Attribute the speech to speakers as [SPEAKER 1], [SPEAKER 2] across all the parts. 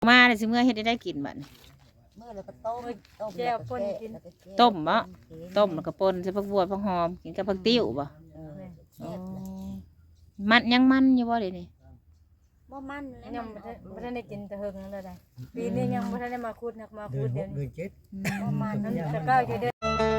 [SPEAKER 1] มาเลยสิเมื่อเฮ็ดได้กินบัดนี้
[SPEAKER 2] เมื่อแล้วก็ต้ม
[SPEAKER 3] แก้วป่นกิน
[SPEAKER 1] ต้มบ่ต้มแล้วก็ป่นใส่ผักบัวผักหอมกินกับผักติ้วบ่มันยังมันอยู่บ่เดี๋ยวนี้
[SPEAKER 2] บ่มัน
[SPEAKER 3] ยังบ่ทันได้กินแต่เฮิงนั่นแหละปีนี้ยังบ่ทันได้มาคูดนักมาคูดเดี๋ยวนี้
[SPEAKER 2] บ่มัน
[SPEAKER 3] นั่นจะก้าวจะเดิน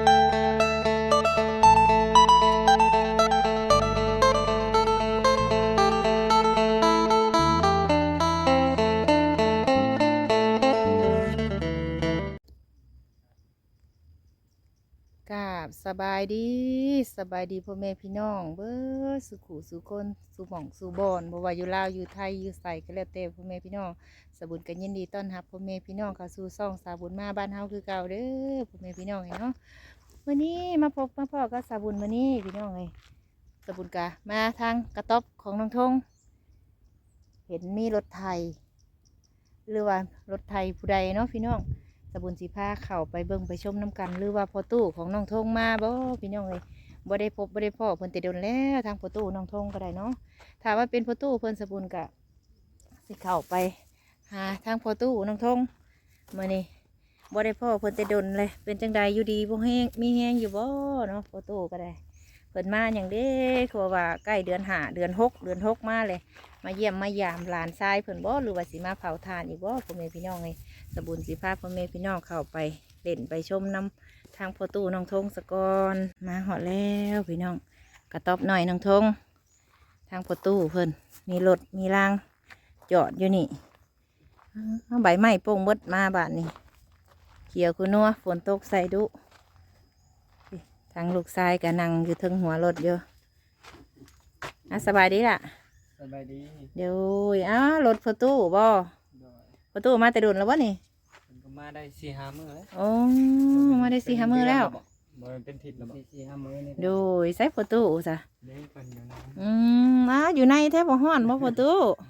[SPEAKER 1] สบายดีพ่อแม่พี่น้องเบ้อสุขุสุคนสุหม่องสุบอนบ่ว่าอยู่ลาวอยู่ไทยอยู่ไสก็แล้วแต่พ่อแม่พี่น้องสบุญกันยินดีต้อนรับพ่อแม่พี่น้องเข้าสู่ช่องสาบุญมาบ้านเฮาคือเก่าเด้อพ่อแม่พี่น้องเนาะวันนี้มาพบมาพ่อกับสาบุญมื้อนี้พี่น้องสบุญกะมาทางกระต๊อบของน้องทงเห็นมีรถไถหรือว่ารถไถผู้ใดเนาะพี่น้องสบุญสีผ้าเข่าไปเบิ่งไปชมน้ำกันหรือว่าพอตู้ของน้องทงมาบ่พี่น้องบ่ได้พบบ่ได้พ่อเพิ่นแต่โดนแล้วทางพอตู้น้องทงก็ได้เนาะถ้าว่าเป็นพอตู้เพิ่นสบุญกะสิเข่าไปหาทางพอตู้น้องทงมื้อนี้บ่ได้พ่อเพิ่นแต่โดนเลยเป็นจังใดอยู่ดีบ่แห้งมีแห้งอยู่บ่เนาะพอตู้ก็ได้เพิ่นมาอย่างเด้คือว่าใกล้เดือน5เดือน6มาเลยมาเยี่ยมมายามหลานชายเพิ่นบ่หรือว่าสิมาเผาทานอีกบ่พ่อแม่พี่น้องสบุญสีผ้าพ่อแม่พี่น้องเข้าไปเล่นไปชมน้ำทางประตูน้องทงสกอนมาหอดแล้วพี่น้องกระต๊อบหน่อยน้องทงทางประตูเพิ่นมีรถมีรางจอดอยู่นี่เอาใบไม้โป่งบดมาบาดนี่เขียวคือนัวฝนตกใส่ดุทางลูกชายก็นั่งอยู่ทึงหัวรถเยอะสบายดีล่ะ
[SPEAKER 4] สบายดี
[SPEAKER 1] เดี๋ยวรถประตูบ่ประตูมาแต่โดนแล้ววะนี่
[SPEAKER 4] ก็มาได้4-5 มื้อแล้ว
[SPEAKER 1] โอ้มาได้4-5 มื้อแล้ว
[SPEAKER 4] บ่เป็นทิศแล้วบ่4-5 มื้อนี่
[SPEAKER 1] โดยใส่ประตูจ้ะ
[SPEAKER 4] เด้เพิ่นอยู่นะ
[SPEAKER 1] อยู่ในแท้บ่ฮ้อนบ่ประตู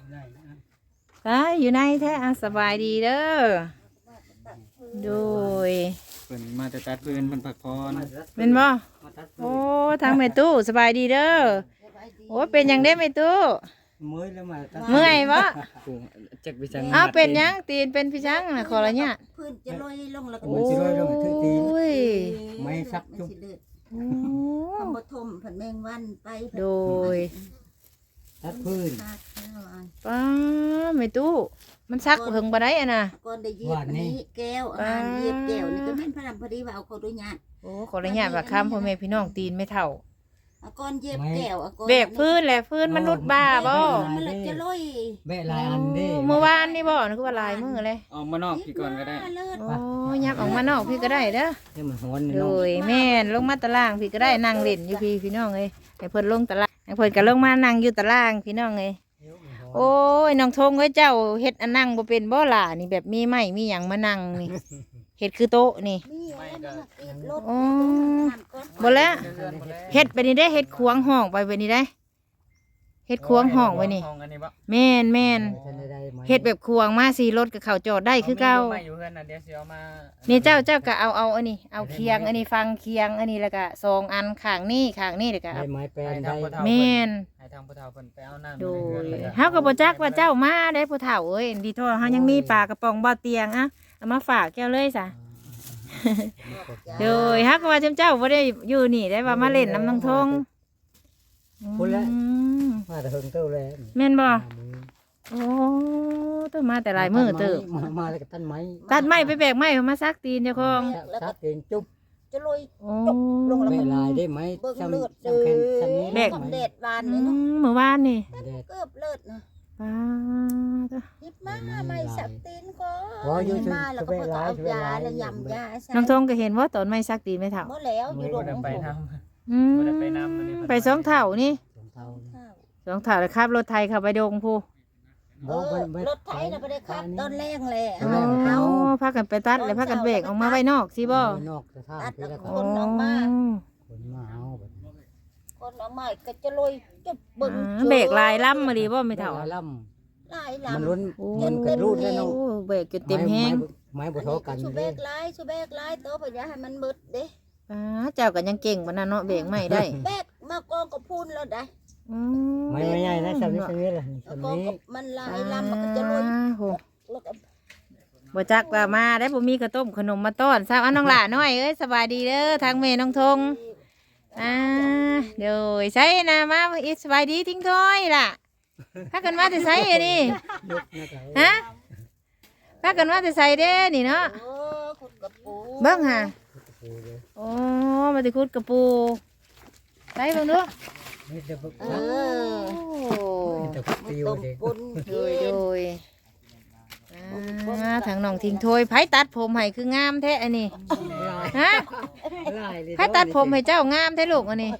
[SPEAKER 1] อยู่ในแท้สบายดีเด้อโดย
[SPEAKER 4] เพิ่นมาแต่ตัดปืนเพิ่นพักผ่อน
[SPEAKER 1] เป็นบ่โอ้ทางแม่ตู้สบายดีเด้อโอ้เป็นหยังได้แม่ตู้
[SPEAKER 4] เมื่อยแล้วมา
[SPEAKER 1] เมื่อยบ่
[SPEAKER 4] จักไปจัง
[SPEAKER 1] เป็นหยังตีนเป็นพี่จังน่ะขอละเนี่ย
[SPEAKER 2] พื้นจะลอยลงแล้วก็
[SPEAKER 1] มันสิลอยลงถึงตีน
[SPEAKER 4] ไม่ซักจุ๊บ
[SPEAKER 2] คำบ่ทมผันแมงวันไป
[SPEAKER 1] โดย
[SPEAKER 4] ตัดพื้น
[SPEAKER 1] ป้าแม่ตู้มันซักเพิ่งบ่ได้น่ะ
[SPEAKER 2] ก่อนได้ยีบนี้แก้วอาหารยีบแก้วนี่ก็แม่นพระดำพอดีว่าเอาเขาด้วยญาติ
[SPEAKER 1] โอ้ขอละเนี่ยว่าคำพ่อแม่พี่น้องตีนไม่เท่า
[SPEAKER 2] ก้อนเย็บแก้ว
[SPEAKER 1] เบกพื้นแหละพื้นมันรุดบ้าบ่
[SPEAKER 2] มันจะลอย
[SPEAKER 4] แบะลายอันเด้
[SPEAKER 1] เมื่อวานนี่บ่นึกว่าลายมือเลย
[SPEAKER 4] ออกมานอกพี่ก่อนก็ได้
[SPEAKER 1] โอ้ยับออกมานอกพี่ก็ได้เด้อ
[SPEAKER 4] ให้มันฮ้อน
[SPEAKER 1] โดยแม่นลงมาตารางพี่ก็ได้นั่งเล่นอยู่พี่น้องเอ้ยให้เพิ่นลงตารางให้เพิ่นก็ลงมานั่งอยู่ตารางพี่น้องเอ้ยโอ้ยน้องทงเอ้ยเจ้าเฮ็ดอันนั่งบ่เป็นบ่ล่ะนี่แบบมีไม้มีหยังมานั่งนี่เฮ็ดคือโต๊ะนี่โอ้บ่แล้วเฮ็ดไปนี่ได้เฮ็ดควงห้องไปไปนี่ได้เฮ็ดควงห้องไว้นี่แม่นเฮ็ดแบบควงมาสีรถกับเขาจอดได้คือเก่านี่เจ้าก็เอาอันนี้เอาเคียงอันนี้ฟังเคียงอันนี้แล้วก็2 อันข้างนี้เด็กก็
[SPEAKER 4] ไม้แปลนได้
[SPEAKER 1] แม่น
[SPEAKER 4] ให้ทางผู้เฒ่าเพิ่นไปเอาน้ำ
[SPEAKER 1] โดยเฮาก็บ่จักว่าเจ้ามาได้ผู้เฒ่าเอ้ยดีโทษเฮายังมีปลากระป๋องบ่เตียงเอามาฝากแก้วเลยจ้ะโดยฮักว่าเจ้าบ่ได้อยู่นี่ได้ว่ามาเล่นน้ำน้องทง
[SPEAKER 4] พุ่นแล้วมาแต่เฮิงเต้าแล้ว
[SPEAKER 1] แม่นบ่โอ้ต้นมาแต่หลายมื้อเติบ
[SPEAKER 4] มาแล้วก็ตัดไ
[SPEAKER 1] ม้ไปแบกไม้มาซักตีนเจ้าของ
[SPEAKER 4] ซักตีนจุ๊บ
[SPEAKER 2] จะลอย
[SPEAKER 4] ลงแล้วลายได้ไหม
[SPEAKER 2] ซ้ำเลือดแบกเด็ดวานนี่เนาะ
[SPEAKER 1] เมื่อวานนี่
[SPEAKER 2] เกือบเลือดนะ
[SPEAKER 1] ป้า
[SPEAKER 2] หยิบมาไม่สักตีนก็มาแล้วก็เอายาแล้วยำยา
[SPEAKER 1] น้องทงก็เห็นว่าตอนไม่ซักตีนไม่เท่า
[SPEAKER 2] เมื่อแล้วอยู่โรง
[SPEAKER 4] ไปน้
[SPEAKER 1] ำไป2 เท่านี่2 เท่าเลยครับรถไทยเข้าไปดงผู้
[SPEAKER 2] รถไถน่ะไปได้ครับต้นแรงเลย
[SPEAKER 1] เอาพากันไปตัดเลยพากันเบรกออกมาไว้นอกสิบ่
[SPEAKER 2] ตัดคนออกมาคนออกมาก็จะลอยจะบึ้ง
[SPEAKER 1] เบรกลายล่ำมาดีบ่ไม่เท่า
[SPEAKER 2] ลาย
[SPEAKER 4] มันล้นมันกระรูดแล้วเนาะ
[SPEAKER 1] เบรกจนเต็มแห้ง
[SPEAKER 4] ไม้บ่เท่ากัน
[SPEAKER 2] ชูเบรกลายโตไปอย่าให้มันมืดเด้
[SPEAKER 1] เจ้าก็ยังเก่งปานนั้นเนาะเบรกไม่ได้
[SPEAKER 2] เบรกมากองก็พูนแล้วได้
[SPEAKER 4] ไม่ใหญ่นะสำนี้ล่ะ
[SPEAKER 2] มันลายลำมันก็จะลอยแล้วก็
[SPEAKER 1] บ่จักว่ามาได้บ่มีข้าวต้มขนมมาต้อนซะอันน้องหล่าน้อยเอ้ยสบายดีเด้อทางแม่น้องทงเดี๋ยวใช้นะมาอีสบายดีทิ้งถ้อยล่ะพากันมาแต่ไสอันนี้
[SPEAKER 4] ยกนะครั
[SPEAKER 1] ฮะพากันมาแต่ไสเด้นี่เนาะ
[SPEAKER 2] โอ้ขุดกระปู
[SPEAKER 1] เบิ่งหา
[SPEAKER 4] โอ้โห
[SPEAKER 1] โอ้มาติคุดกระปูใส่เบิ่งดู
[SPEAKER 4] นี่จะบุก
[SPEAKER 2] เอ
[SPEAKER 1] โอ้
[SPEAKER 2] อ
[SPEAKER 4] จะบุกติว
[SPEAKER 2] ต้ม
[SPEAKER 4] เด็ก
[SPEAKER 2] ปุน
[SPEAKER 1] โดยทางน้องทิ้งถ้วยไผตัดผมให้คืองามแท้อันนี้ฮะไผตัดผมให้เจ้างามแท้ลูกอันนี้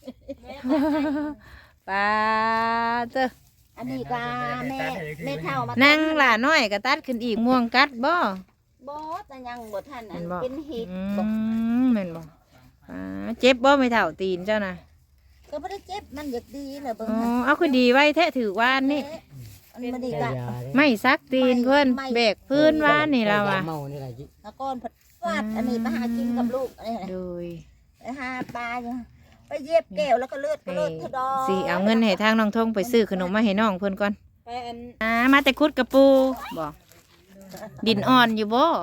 [SPEAKER 1] ป้าเจ้อ
[SPEAKER 2] อันนี้ก็แม่เฒ่ามา
[SPEAKER 1] นั่งหล่าน้อยก็ตัดขึ้นอีกม่วงกัดบ่
[SPEAKER 2] บ่แต่ยังบ่ทันอั
[SPEAKER 1] แม่
[SPEAKER 2] น
[SPEAKER 1] นบ่
[SPEAKER 2] เป็นเห็ด
[SPEAKER 1] อื
[SPEAKER 2] บ่
[SPEAKER 1] มแม่นบ่เจ็บบ่ไม่เท่าตีนเจ้าน่ะ
[SPEAKER 2] ก็บ่ได้เจ็บมันอยากดีแหละเบิ่ง
[SPEAKER 1] อ๋อ
[SPEAKER 2] หั่น
[SPEAKER 1] เอาคือดีไว้แท้ถือว่านนี่
[SPEAKER 2] อันบ่ได้กะ
[SPEAKER 1] ไม่ซักตีนเพิ่นแบกพื้นว่านนี่เราอ่ะ
[SPEAKER 4] เมานี่แหละจิ
[SPEAKER 2] ตะกอนผัดฟาดอันนี้มาหากินกับลูกอันนี้
[SPEAKER 1] โดย
[SPEAKER 2] ไปหาปลาอยู่ไปเย็บแก้วแล้วก็เลือดทะดอ
[SPEAKER 1] สิเอาเงินให้ทางน้องทงไปซื้อขนมมาให้น้องเพิ่นก่อน
[SPEAKER 3] ไปอัน
[SPEAKER 1] มาแต่คุดกระปูบ่ดินอ่อนอยู่บ่
[SPEAKER 2] อ่อน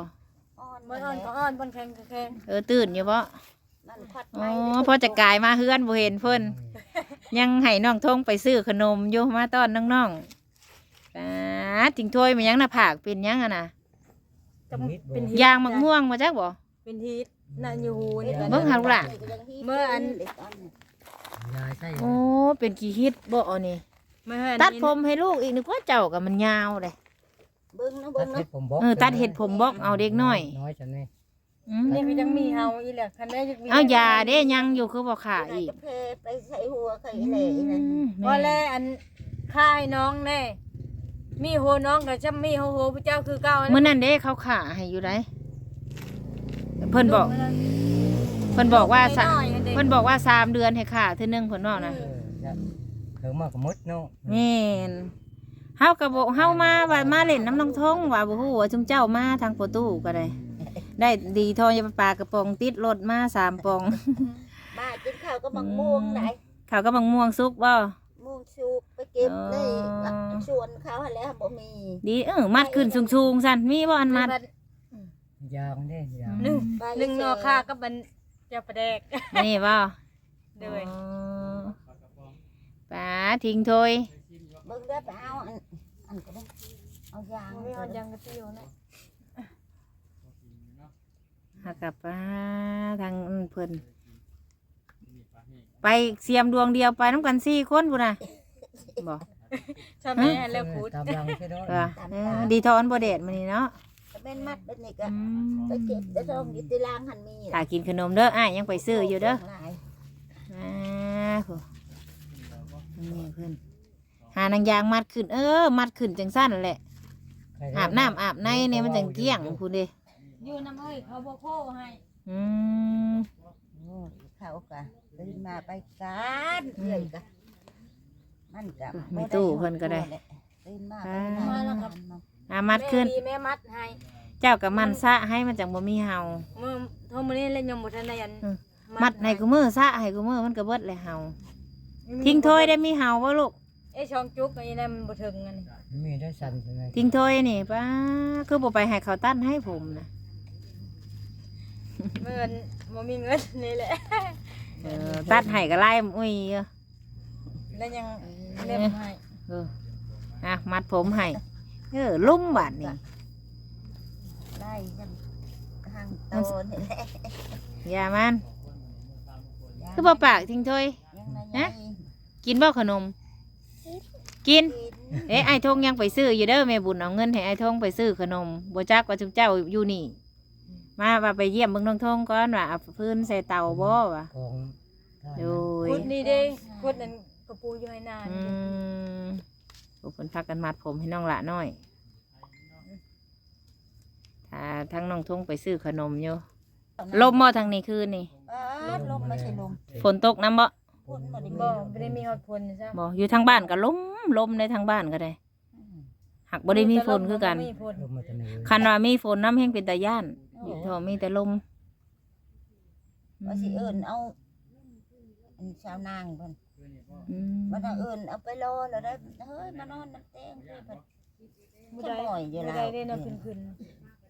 [SPEAKER 3] บ่อ่อนก็อ่อนบ่แข็งก็แข็ง
[SPEAKER 1] ตื่นอยู่บ่
[SPEAKER 2] มันควัด
[SPEAKER 1] อ๋
[SPEAKER 2] ไป
[SPEAKER 1] อพอจะกลายมาเฮือนบ่เห็นเพิ่นยังให้น้องทงไปซื้อขนมอยู่มาต้อนน้องๆทิ้งถ้วยมายังหน้าผากเป็นยังอ่ะนะ
[SPEAKER 3] เป็น
[SPEAKER 1] ยางมะม่วงมาจักบ่
[SPEAKER 3] เป็นฮีทน่ะอยู่หูนี่ก็
[SPEAKER 1] เบิ่งหาลูกหลาน
[SPEAKER 3] เมื่ออัน
[SPEAKER 4] ยายใส่
[SPEAKER 1] โอ้เป็นขี้ฮิตบ่อันนี้
[SPEAKER 3] เมื่ออัน
[SPEAKER 1] ตัดผมให้ลูกอีกนึกว่าเจ้ากับมันยาวเลย
[SPEAKER 2] เบิ่งนะ
[SPEAKER 4] ตั
[SPEAKER 2] เบิ่
[SPEAKER 4] ด
[SPEAKER 2] ง
[SPEAKER 4] เห็
[SPEAKER 2] นะ
[SPEAKER 4] ดผมบอก
[SPEAKER 1] ตัดเห็ดผมบอกเอาเด็กน้อย
[SPEAKER 4] น้อยจังนี่
[SPEAKER 1] อืม
[SPEAKER 3] นี่ก็ยังมีเฮาอีแหละคันได้จะมี
[SPEAKER 1] เอายาเด้ยังอยู่คือบ่ขาอีก
[SPEAKER 2] กระเพไปใส่หัวไข่เหล่นั่น
[SPEAKER 3] ว่าแลอันค่ายน้องแน่มีโหน้องก็จะมีโหพระเจ้าคือเก่า
[SPEAKER 1] เมื่อนั้นเด้เขาขาให้อยู่ไดเพิ่นบอกเพิ่นบอกว่าเพิ่นบอกว่า3 เดือนให้ขาเทื่อนึงเพิ่นบอกนะ
[SPEAKER 4] เพิ่งมากมดเนาะ
[SPEAKER 1] แม่นเฮาก็บอกเฮามาว่ามาเล่นน้ำน้องทงว่าบ่ฮู้ว่าจุมเจ้ามาทางประตูก็ได้ ได้ดีทองยาปลากระป๋องติดรถมา3 ปอง
[SPEAKER 2] มากินข้าวก็บังม่วงไหน
[SPEAKER 1] เขาก็บังม่วงสุกบ่
[SPEAKER 2] ม่วงสุกไปเก็บเลยชวนเขาให้แล้วบ่มี
[SPEAKER 1] ดีมัดขึ้นสูงๆซั่นมีบ่อันมัด
[SPEAKER 4] ยาวเด้ยาว
[SPEAKER 3] หนึ่งนอค่ากับมันจะประแดก
[SPEAKER 1] นี่บ่
[SPEAKER 3] เด้ย
[SPEAKER 1] ป้าทิ้งถ้วย
[SPEAKER 2] เบิ่งได้ไปเอาอันก็ได้เอายาง
[SPEAKER 3] ไม่เอายังกระเตียวนะ
[SPEAKER 1] หากับป้าทางเพิ่นไปเสียมดวงเดียวไปน้ำกัน4 คนพุ่นน่ะบ่
[SPEAKER 3] ชอบแม่แล้วพูด
[SPEAKER 4] ตามรังใช่เนาะ
[SPEAKER 1] ดีทอนบ่เด็ดมื้อนี้เนาะ
[SPEAKER 2] ก็เป็นมัดเป็นนี่ก็ไปเก็บได้ทองอยู่ที่ล่างหันมี
[SPEAKER 1] ถ้ากินขนมเด้ออ้ายยังไปซื้ออยู่เด้อโหนี่เพิ่นหานางยางมัดขึ้นมัดขึ้นจังซั่นแหละอาบน้ำอาบในเนี่ยมันจังเกลี้ยงพุ่นเด้
[SPEAKER 3] อยู่น้ำเอ้ยเขาบ่โคให้
[SPEAKER 1] อืม
[SPEAKER 2] เขาก็ตื่นมาไปการเรื่อยก็มันก็ตื่นมา
[SPEAKER 1] มัดขึ้น
[SPEAKER 3] แม่มัดให้
[SPEAKER 1] เจ้ากับมันซะให้มันจังบ่มีเห่า
[SPEAKER 3] เมื่อเท่ามื้อนี้แล้วยังบ่ทันได้อัน
[SPEAKER 1] มัดให้กูมือซะให้กูมือมันก็เบิดเลยเห่าทิ้งถ้วยได้มีเห่าบ่ลูก
[SPEAKER 3] ช่องจุกอันนี้มันบ่ถึงอันนี้
[SPEAKER 4] มีได้สั่นใช่ไหม
[SPEAKER 1] ทิ้งถ้วยนี่ป้าคือบ่ไปให้เขาตั้นให้ผมนะ
[SPEAKER 3] เมื่อบ่มีเงินนี่แหละ
[SPEAKER 1] ตัดให้ก็ไล่อุ้ย
[SPEAKER 3] แล้วยังเล็บให้
[SPEAKER 1] มัดผมให้ลุ่มบาดนี่
[SPEAKER 2] ได้ยังทางโตนี่แหละ
[SPEAKER 1] อย่ามันคือบ่ปากทิ้งถ้วย กินบ่ขนม กินไอ้ทงยังไปซื้ออยู่เด้อแม่บุญเอาเงินให้ไอ้ทงไปซื้อขนมบ่จักว่าจุเจ้าอยู่นี่มาว่าไปเยี่ยมเบิ่งน้องทงก่อนว่าเอาพื้นใส่เตาบ่ว่ะ
[SPEAKER 4] กอง
[SPEAKER 1] โอ้ย
[SPEAKER 3] พุดนี่เด้พุดนั้นกระปูอยู่ให้นาน
[SPEAKER 1] พวกเพิ่นพากันมัดผมให้น้องละน้อยถ้าทั้งน้องทงไปซื้อขนมอยู่ลมบ่ทางนี้คืนนี่
[SPEAKER 2] ลมไม่ใช่ลม
[SPEAKER 1] ฝนตกน้ำบ่
[SPEAKER 2] พ่นมาดิ
[SPEAKER 3] บ่ได้มีฮอดพลซะ
[SPEAKER 1] บ่อยู่ทางบ้านก็ลมในทางบ้านก็ได้หักบ่ได้มีฝนคือกัน
[SPEAKER 3] มีฝน
[SPEAKER 4] ลมมาจะเหนื่อย
[SPEAKER 1] คันว่ามีฝนน้ำแห้งเป็นตาย่านอยู่ทอมีแต่ลม
[SPEAKER 2] ว่าสิเอิญเอาอันชาวนางเพิ่นมันเอิญเอาไปรอแล้วได้เฮ้ยมานอนน้ำแตงเพิ่น
[SPEAKER 3] บ่ได้บ่ได้ได้นอนขึ้น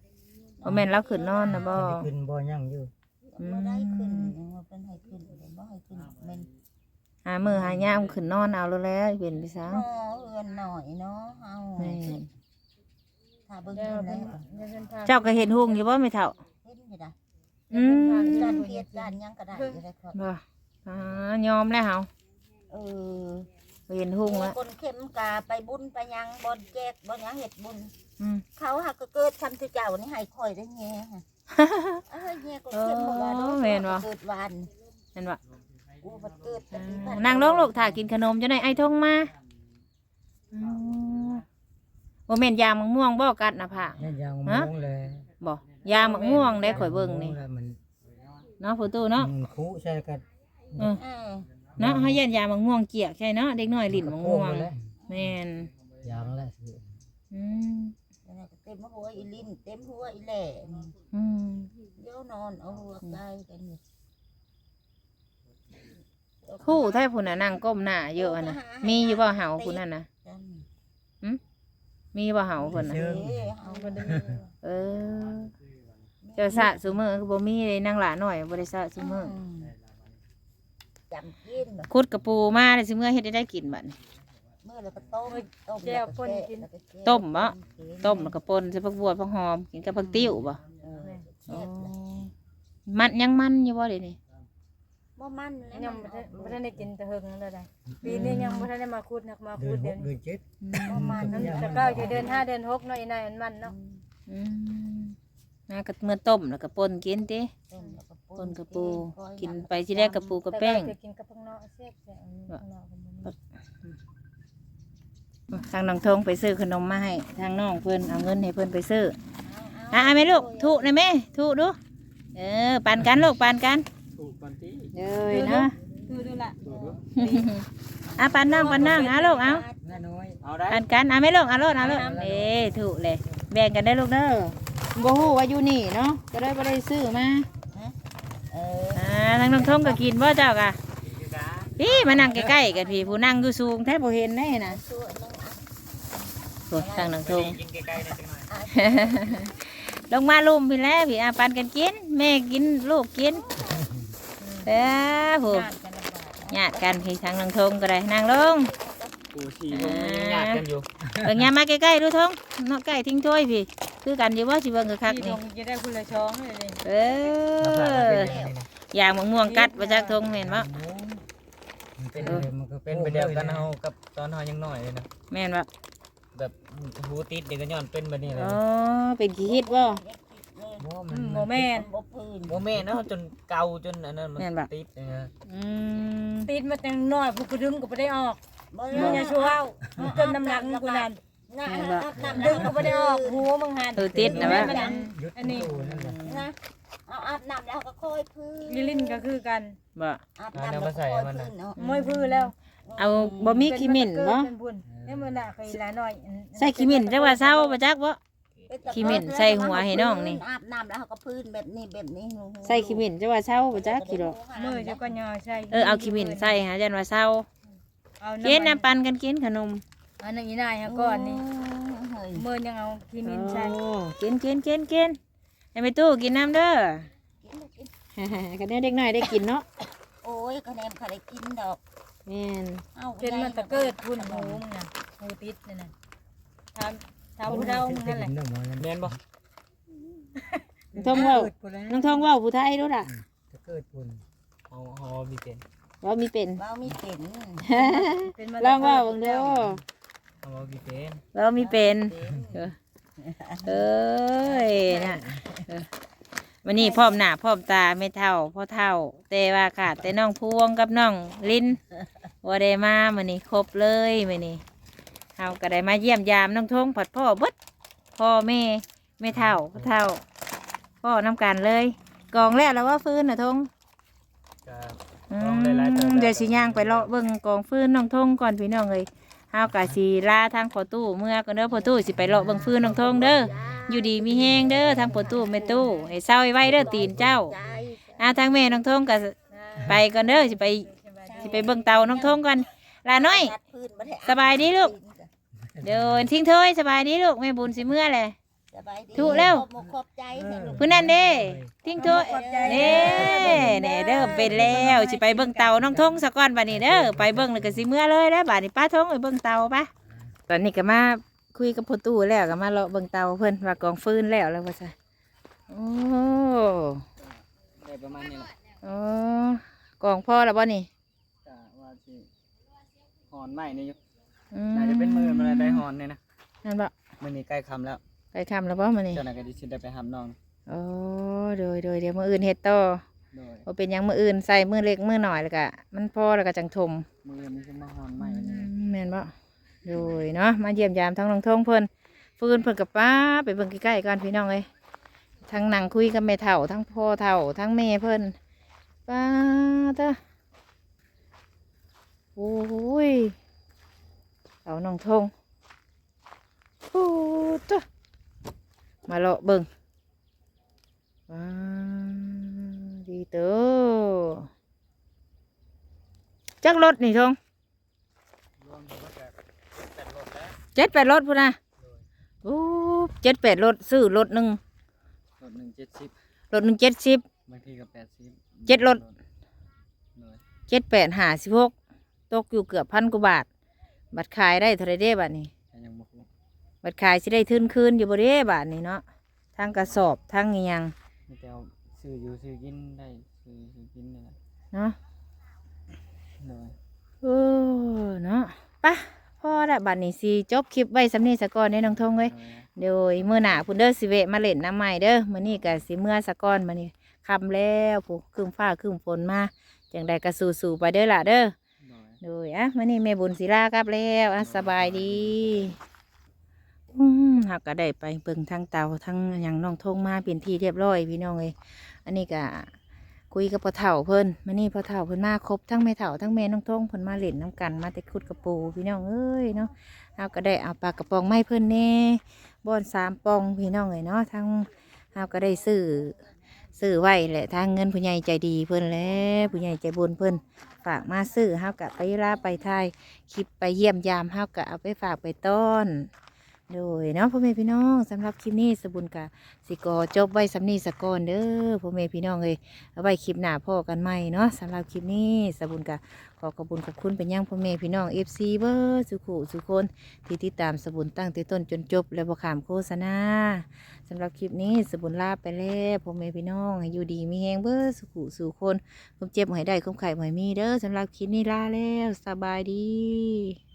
[SPEAKER 1] บ่แม่นเราขึ้นนอนนะบ่
[SPEAKER 4] จะขึ้นบ่ยังอยู่
[SPEAKER 2] บ่ได้ขึ้นว่าเป็นให้ขึ้นบ่ให้ขึ้นแม่น
[SPEAKER 1] หามือหายามขึ้นนอนเอาแล้วเป็นไปซะ
[SPEAKER 2] เนาะเอื้อนหน่อยเนาะเฮา
[SPEAKER 1] แม่น
[SPEAKER 2] ถ้าเบิ่ง
[SPEAKER 3] เดี๋ยว
[SPEAKER 2] เพิ่น
[SPEAKER 3] เพิ่น
[SPEAKER 2] แล้ว
[SPEAKER 3] เดี๋ยวเพิ่นพา
[SPEAKER 1] เจ้าก็เห็นหุ่งอยู่บ่แม่เฒ่า
[SPEAKER 2] เห็นอยู่ได้
[SPEAKER 1] อืม
[SPEAKER 2] ด้านเพียรด้านหยังก็ได้อยู่ได้ครับ
[SPEAKER 1] บ่ยอมแล้วเฮา
[SPEAKER 2] เออ
[SPEAKER 1] เห็นหุ่งแล้ว
[SPEAKER 2] คนเข้มกาไปบุญไปหยังบ่แจกบ่หยังเฮ็ดบุญ
[SPEAKER 1] อืม
[SPEAKER 2] เขาหักก็เกิดทำที่เจ้านี่ให้คอยได้แง่ฮะเอ้ยแง่ก็เข้มบ่ว่าเนาะเกิดวัน
[SPEAKER 1] เห็นบ่
[SPEAKER 2] กูบ่เกิดแต่ปีพั
[SPEAKER 1] นั่งลงลูกถ้ากินขนมจะได้ไอ้ทงมาบ่แม่นยามะม่วงบ่กัดน่ะพ่ะ
[SPEAKER 4] นี่ยังมองเลย
[SPEAKER 1] บ่ยามะม่วงได้ข่อยเบิ่งนี่
[SPEAKER 4] มัน
[SPEAKER 1] เนาะผู้ตู้เนาะ
[SPEAKER 4] มันคุใช่กัน
[SPEAKER 1] เออ
[SPEAKER 2] เออ
[SPEAKER 1] เนาะเฮาเย็นยามะม่วงเกียกใช่เนาะเด็กน้อยลิ้นมะม่วง
[SPEAKER 4] เลย
[SPEAKER 1] แม่น
[SPEAKER 4] ยังแล้วสิ
[SPEAKER 1] อืม
[SPEAKER 2] เต็มหัวอีลิ้นเต็มหัวอีแหล่นี่
[SPEAKER 1] อืม
[SPEAKER 2] เดี๋ยวนอนเอาหัวใกล้กันนี่
[SPEAKER 1] คู่แท้ผู้น่ะนั่งก้มหน้าเยอะอะนะมีอยู่บ่เหาผู้นั่นน่ะ
[SPEAKER 2] กัน
[SPEAKER 1] มีบ่เหาเพิ่นน่ะ
[SPEAKER 2] เอ้ยเอา
[SPEAKER 3] บ่ได้
[SPEAKER 1] เออเจ้าสะซุมื้อคือบ่มีเลยนางหลาน้อยบ่ได้สะซุมื้อ
[SPEAKER 2] จำกินแบบ
[SPEAKER 1] ขุดกระปูมาได้ซุมื้อเฮ็ดได้กินบัดนี้
[SPEAKER 2] เมื่อแล้วก็ต้ม
[SPEAKER 3] แก้วป่นกิน
[SPEAKER 1] ต้มบ่ต้มแล้วก็ป่นใส่ผักบัวผักหอมกินกับผักติ้วบ่
[SPEAKER 2] เออ
[SPEAKER 1] อ๋อ
[SPEAKER 2] แซ่บเลย
[SPEAKER 1] มันยังมันอยู่บ่เดี๋ยวนี้
[SPEAKER 2] บ่มันแล้ว
[SPEAKER 3] ยังบ่ทันได้กินแต่เฮิงนั่นแหละปีนี้ยังบ่ทันได้มาขุดนักมา
[SPEAKER 4] เดื
[SPEAKER 3] ขุ
[SPEAKER 4] อ
[SPEAKER 3] ด
[SPEAKER 4] น
[SPEAKER 3] เดือน
[SPEAKER 4] 6เดือน7
[SPEAKER 2] บ่มัน
[SPEAKER 3] แต่ก็อยู่เดือน5เดือน6เนาะอีนายอันมันเนาะ
[SPEAKER 1] อืมน่าก็เมื่อต้มแล้วก็ป่นกินติ
[SPEAKER 2] ต้มแล้วก็
[SPEAKER 1] ป่นกระปูกินไปที่แรกกระปูกับแป้ง
[SPEAKER 3] แต่ก็กินกับข้างนอกแซ่บแต่ข้างนอกก็บ่มี
[SPEAKER 1] ทางน้องทงไปซื้อขนมมาให้ทางน้องเพิ่นเอาเงินให้เพิ่นไปซื้ออ่ะแม่ลูกถูนะแม่ถูดูปันกันลูกปันกัน
[SPEAKER 4] ถูกปันที่
[SPEAKER 1] เลยเนาะ
[SPEAKER 3] ดูล่ะ
[SPEAKER 1] อ่ะปันน้องเอาลูกเอา
[SPEAKER 4] น้าน้อย
[SPEAKER 5] เอาได้
[SPEAKER 1] ปันกันแม่ลูกเอาลูกถูกเลยแบ่งกันได้ลูกเด้อบ่ฮู้ว่าอยู่นี่เนาะก็เลยบ่ได้ซื้อมา
[SPEAKER 2] เออ
[SPEAKER 1] ทางน้องทงก็กินบ่เจ้ากะพี่มานั่งใกล้ๆกันพี่ผู้นั่งอยู่สูงแทบบ่เห็นได้นะ
[SPEAKER 2] ตัวนึง
[SPEAKER 1] โอ้ทางน้องทง
[SPEAKER 5] กินใกล้ๆนะจังหน่อย
[SPEAKER 1] ลงมาลุมพี่แล้วพี่ปันกันกินแม่กินลูกกินผู้
[SPEAKER 3] ญาติกันลำบาก
[SPEAKER 1] ญาติกันพี่ทางน้องทงก็ได้นั่งลง
[SPEAKER 5] กูชีพวกนี้ญาติกันอยู่
[SPEAKER 1] เบิ่งยามมาใกล้ๆดูทงเนาะใกล้ทิ้งถ้วยพี่คือกันอยู่บ่สิเบิ่งคัก
[SPEAKER 3] พี่
[SPEAKER 1] ๆ
[SPEAKER 3] ท
[SPEAKER 1] นี่
[SPEAKER 3] งจะได้คนละช้องเลย
[SPEAKER 1] อย่างมะม่วงกัดบ่จักทงเห็นบ่
[SPEAKER 4] เป็นมันก็
[SPEAKER 5] เป็นไปเดียวกันเฮากับตอนเฮายังน้อยเลยนะ
[SPEAKER 1] แม่นบ่
[SPEAKER 5] แบบหูติดเด็กก็ย้อนเป็นแบบนี้เลย
[SPEAKER 1] อ๋อเป็นขี้ฮิตบ่
[SPEAKER 4] บ่มัน
[SPEAKER 3] โมแม่น
[SPEAKER 2] บ่พื้น
[SPEAKER 5] โมแม่เนาะจนเก่าจนอันนั้นมัน
[SPEAKER 1] แม่นบ่
[SPEAKER 5] ติดนะ
[SPEAKER 1] อืม
[SPEAKER 3] ติดมาแต่น้อยผู้กระดึงก็บ่ได้ออก
[SPEAKER 2] บ่
[SPEAKER 3] มึงอย่าชัวร์จนน้ำหนักกูนั่น
[SPEAKER 2] น้ำ
[SPEAKER 3] ดึงก็บ่ได้ออกหัวมึงหัน
[SPEAKER 1] ติดนะว่า
[SPEAKER 4] ยุดตู้นั่นแหละ
[SPEAKER 2] นะเอาอาบน้ำแล้วก็ค่อยพื้น
[SPEAKER 3] ลิลินก็คือกัน
[SPEAKER 1] บ่
[SPEAKER 2] อาบน้ำแล้วก็ค่อยพื้นเนาะ
[SPEAKER 3] มวยพื้นแล้ว
[SPEAKER 1] เอาบ่มีขี้มิ่นบ่
[SPEAKER 3] เป็นบุญเนี่ยมันน่ะเคยหลายน้อย
[SPEAKER 1] ใส่ขี้มิ่นจักว่าเซาบ่จักบ่ขี้มิ่นใส่หัวให้น้องนี่
[SPEAKER 2] อาบน้ำแล้วก็พื้นแบบนี้แบบนี้
[SPEAKER 1] ใส่ขี้มิ่นจักว่าเซาบ่จักกี่ดอก
[SPEAKER 3] มือจะก็ย่อใช่
[SPEAKER 1] เอาขี้มิ่นใส่หาจันว่าเซา
[SPEAKER 3] เอา
[SPEAKER 1] กินน้ำปันกันกินขนม
[SPEAKER 3] อันนั้นอีนายฮะก่อนนี่มือยังเอาขีมินใช่
[SPEAKER 1] โอ้กินให้ไปตู้กินน้ำเด้อ กันเด็กน้อยได้กินเนาะ
[SPEAKER 2] โอ้ยคะแนนเขาได้กินดอก
[SPEAKER 1] แม่น
[SPEAKER 3] เป็นมันตะเกิดพุ่นหูมึงน่ะหูติดนี่น่ะทำผู้เฒ่ามึงนั่นแหละ
[SPEAKER 5] แม่นบ่
[SPEAKER 1] น้องทองเว้าน้องทองเว้าผู้ไทยรู้ล่ะ
[SPEAKER 4] จะเกิดปุ่น
[SPEAKER 5] เฮามีเป็น
[SPEAKER 1] ว่ามีเป็น
[SPEAKER 2] เบามีเป็น
[SPEAKER 3] เป็นมา
[SPEAKER 1] ลองเว่าเบิ่งเด้อ
[SPEAKER 5] เฮามีเป็น
[SPEAKER 1] เรามีเป็นเอ้ยน่ะวันนี้พร้อมหน้าพร้อมตาไม่เท่าพ่อเท่า แต่ว่าขาดแต่น้องพวงกับน้องลิ้นว่าได้มามื้อนี้ครบเลยมื้อนี้เฮาก็ได้มาเยี่ยมยามน้องทงผัดพ่อเบิดพ่อแม่ไม่เท่าพ่อเท่าพ่อน้ำกันเลยกองแล้วแล้วว่าฟื้นน่ะทง
[SPEAKER 5] ก็
[SPEAKER 1] อื
[SPEAKER 5] กอง
[SPEAKER 1] ม
[SPEAKER 5] หลายๆเติบแล้ว
[SPEAKER 1] เดี๋ยวสิย่างไปเลาะเบิ่งกองฟืนน้องทงก่อนพี่น้องเอ้ยเฮากะสิลาทางพ่อตู้เมื่อก่อนเด้อพ่อตู้สิไปเลาะเบิ่งฟืนน้องทงเด้ออยู่ดีมีแฮงเด้อทางพ่อตู้แม่ตู้ให้เศร้าไว้เด้อตีนเจ้าทางแม่น้องทงก็ไปก่อนเด้อสิไปเบิ่งเตาน้องทงก่อนลาน้อยสบายดีลูกเดี๋ยวทิ้งถ้วยสบายดีลูกแม่บุญสิเมื่อแหละ
[SPEAKER 2] สบายดี
[SPEAKER 1] ถูกแล้ว
[SPEAKER 2] ขอบคุณใจสนุก
[SPEAKER 1] ผู้นั้นเด้ทิ้งถ้วยเด้เด้เด้อเป็นแล้วสิไปเบิ่งเตาน้องทงซะก่อนบัดนี้เด้อไปเบิ่งแล้วก็สิเมื่อเลยแล้วบัดนี้ป้าทงไปเบิ่งเตาปะตอนนี้ก็มาคุยกับพ่อตู้แล้วก็มาเลาะเบิ่งเตาเพิ่นว่ากองฟืนแล้วว่าซะโอ้
[SPEAKER 5] ได้ประมาณนี้แหละ
[SPEAKER 1] โอ้กองพ่อแล้วบ่นี่
[SPEAKER 5] กะว่าสิหอนใหม่นี่อยู่
[SPEAKER 1] อื
[SPEAKER 5] น่าจะเป็นมื้อมันได้หอนเนี่ยนะ
[SPEAKER 1] นั่นบ่
[SPEAKER 5] มื้อนี้ใกล้ค่ำแล้ว
[SPEAKER 1] ไปทำแล้วบ่มื้อนี้
[SPEAKER 5] เจ้าน่ะก็สิได้ไปหำน้อง
[SPEAKER 1] โอ้โดยเดี๋ยวมื้ออื่นเฮ็ดต่อ
[SPEAKER 5] โดย
[SPEAKER 1] บ่เป็นหยังมื้ออื่นใส่มื้อเล็กมื้อน้อยแล้วก็มันพอแล้วก็จังถม
[SPEAKER 5] มื้อนี้สิมาหอนใหม่อันนี้
[SPEAKER 1] แม่นบ่โดยเนาะมาเยี่ยมยามทั้งน้องทงเพิ่นฟืนเพิ่นกับป้าไปเบิ่งใกล้ๆกันพี่น้องเอ้ยทั้งนั่งคุยกับแม่เฒ่าทั้งพ่อเฒ่าทั้งแม่เพิ่นป้าเด้อโอ้ยเอาน้องทงโอ้เด้อมาเลาะเบิ่งว้าดีเด้อจักรถนี่ทง
[SPEAKER 5] รวมทั้งหมดก็8รถแล้ว
[SPEAKER 1] 7-8 รถพุ่นนะโอ้7-8 รถซื้อรถหนึ่ง
[SPEAKER 5] รถหนึ่ง70
[SPEAKER 1] รถหนึ่ง70
[SPEAKER 5] บางทีก็80
[SPEAKER 1] 7 รถ
[SPEAKER 5] โดย
[SPEAKER 1] 7-8-56ตกอยู่เกือบ1,000 กว่าบาทบัตรขายได้เท่าไรเด้บัตรนี้
[SPEAKER 5] แต่ยังบ่คุ้ม
[SPEAKER 1] บัตรขายสิได้ทื่นคืนอยู่บ่เด้บาทนี้เนาะทั้งกระสอบทั้งอิหยัง
[SPEAKER 5] มีแต่เอาซื้ออยู่ซื้อกินได้ซื้อกินนี่แหละ
[SPEAKER 1] เนาะ
[SPEAKER 5] โดย
[SPEAKER 1] เออเนาะปะพอละบัตรนี้สิจบคลิปไว้สำนี้สะก่อนเด้น้องทงเว้ย โดยมื้อหน้าพุ่นเด้อสิเวะมาเล่นน้ำใหม่เด้อมื้อนี้ก็สิเมื่อสะก่อนมื้อนี้ค่ำแล้วผู้ครึ้มฟ้าครึ้มฝนมาจังใดก็สู้ๆไปเด้อล่ะเด้อ
[SPEAKER 5] โดย
[SPEAKER 1] โดยมื้อนี้แม่บุญศิลากลับแล้วสบายดีเฮาก็ได้ไปเบิ่งทางเตาทั้งหยังน้องทงมาเป็นที่เรียบร้อยพี่น้องเอ้ยอันนี้ก็คุยกับพ่อเฒ่าเพิ่นมื้อนี้พ่อเฒ่าเพิ่นมาครบทั้งแม่เฒ่าทั้งแม่น้องทงเพิ่นมาเล่นน้ำกันมาแต่ขุดกระปูพี่น้องเอ้ยเนาะเฮาก็ได้เอาปลากระป๋องไม้เพิ่นแน่บ่อน3 ปองพี่น้องเอ้ยเนาะทั้งเฮาก็ได้ซื้อไว้แหละทางเงินผู้ใหญ่ใจดีเพิ่นแหละผู้ใหญ่ใจบุญเพิ่นฝากมาซื้อเฮาก็ไปลาไปถ่ายคลิปไปเยี่ยมยามเฮาก็เอาไปฝากไปต้อนโดยเนาะพ่อแม่พี่น้องสำหรับคลิปนี้สบุญกะสิกอจบไว้สำนี้สะก่อนเด้อพ่อแม่พี่น้องเอ้ยเอาไว้คลิปหน้าพ่อกันใหม่เนาะสำหรับคลิปนี้สบุญกะขอขอบคุณขอบคุณเป็นยังพ่อแม่พี่น้อง FC เบอร์สุขุสุคนที่ติดตามสบุญตั้งแต่ต้นจนจบและบ่ขามโฆษณาสำหรับคลิปนี้สบุญลาไปแล้วพ่อแม่พี่น้องให้อยู่ดีมีแฮงเบอร์สุขุสุคนความเจ็บบ่ให้ได้ความไข่บ่ให้มีเด้อสำหรับคลิปนี้ลาแล้วสบายดี